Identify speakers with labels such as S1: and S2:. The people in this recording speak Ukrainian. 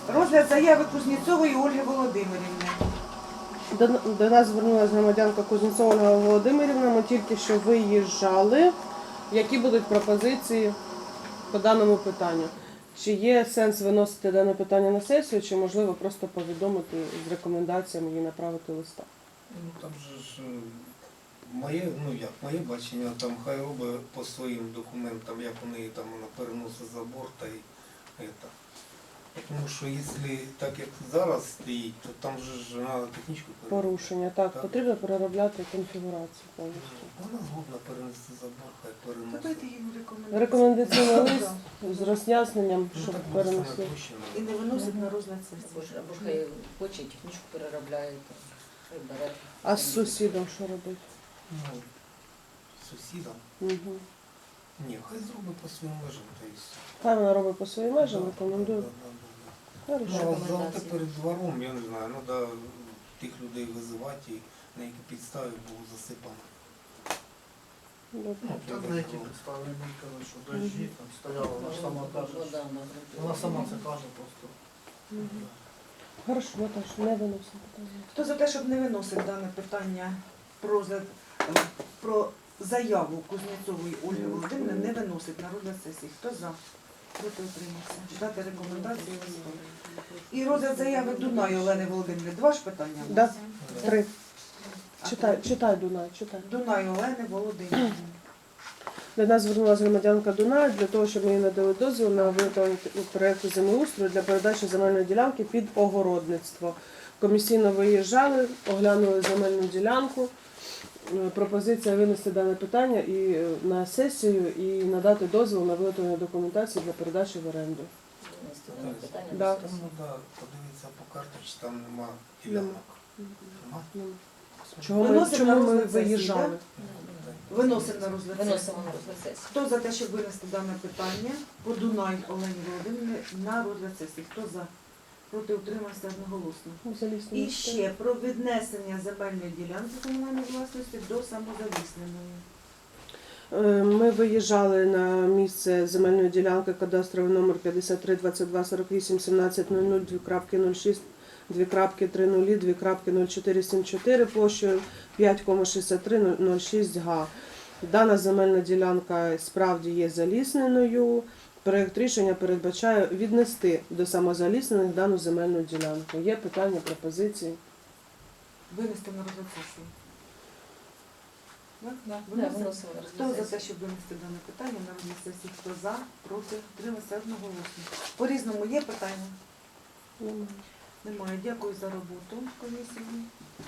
S1: Розгляд заяви Кузнєцової Ольги Володимирівни.
S2: До нас звернулася громадянка Кузнєцова Ольга Володимирівна. Ми тільки що виїжджали. Які будуть пропозиції по даному питанню? Чи є сенс виносити дане питання на сесію, чи можливо просто повідомити з рекомендаціями їй направити листа?
S3: Ну там же ж моє бачення, там хай робить по своїм документам, як у неї там вона переносить забор та й это. Тому що якщо так як зараз стоїть, то там же ж треба технічку перенести.
S2: Порушення. Так, потрібно переробляти конфігурацію повністю.
S3: Вона згодна перенести забор, хай
S1: Дайте
S3: переносить.
S1: їм рекомендації.
S2: Рекомендаційний лист з роз'ясненням,
S3: Ну
S2: щоб
S3: так буде саме
S2: перенесли.
S3: проще.
S1: І не виносить на розгляд
S4: Або
S1: сесії.
S4: ж хай хоче, технічку переробляє, хай бере.
S2: А з сусідом що робити?
S3: Ну, сусідам.
S2: Угу.
S3: Ні, хай зробить по своїм межам, та й все.
S2: Хай вона робить по своїм межам,
S3: Да,
S2: рекомендую.
S3: да.
S2: Хорошо.
S3: Ну, а завтра
S4: Рекомендації.
S3: перед двором, я не знаю, треба тих людей визивати, і на які підстави було засипано.
S2: Добре.
S3: Ну,
S5: Там на які підстави не казали, що дощі там стояла, вона ж сама каже.
S4: Вода,
S5: Вона сама це каже просто.
S2: Мгм. Хорошо, Наташ, не виносимо питання.
S1: Хто за те, щоб не виносити дане питання про заяву Кузнєцової Ольги Володимирівни, не виносить на розгляд сесії? Хто за? Проти утримався. Дати рекомендації листом. І розгляд заяви Дунай Олени Володимирівни. Два ж питання? у нас?
S2: Да. 3. Читай, Дунай, читай.
S1: Дунай Олени Володимирівни.
S2: До нас звернулася громадянка Дунай для того, щоб ми їй надали дозвіл на виготовлення проєкту землеустрою для передачі земельної ділянки під огородництво. Комісійно виїжджали, оглянули земельну ділянку. Пропозиція винести дане питання і на сесію і надати дозвіл на виготовлення документації для передачі в оренду. Да.
S3: Там треба подивитися по карті, чи там нема ділянок. Нема?
S2: Чому ми виїжджали?
S1: Виносимо на розгляд сесії.
S4: Виносимо на розгляд сесії.
S1: Хто за те, щоб винести дане питання по Дунай Олені Володимирівні на розгляд сесії? Хто за? Проти утримався одноголосно.
S2: Залізні
S1: І
S2: місця.
S1: ще про віднесення земельної ділянки комунальної власності до самозалісненої.
S2: Ми виїжджали на місце земельної ділянки кадастровий номер 53 22 48 17 00 2.06 2.30 2.0474 площею 5,6306 га. Дана земельна ділянка справді є залісненою. Проєкт рішення передбачає віднести до самозаліснених дану земельну ділянку. Є питання, пропозиції?
S1: Винести на розгляд сесії. Так?
S4: Да,
S1: Виносимо.
S4: виносимо на
S1: Хто
S4: розгляд
S1: за
S4: сесії.
S1: те, щоб винести дане питання на розгляд сесії? Хто за? Проти? Утримався одноголосно. По-різному є питання?
S2: Немає.
S1: Немає. Дякую за роботу комісії.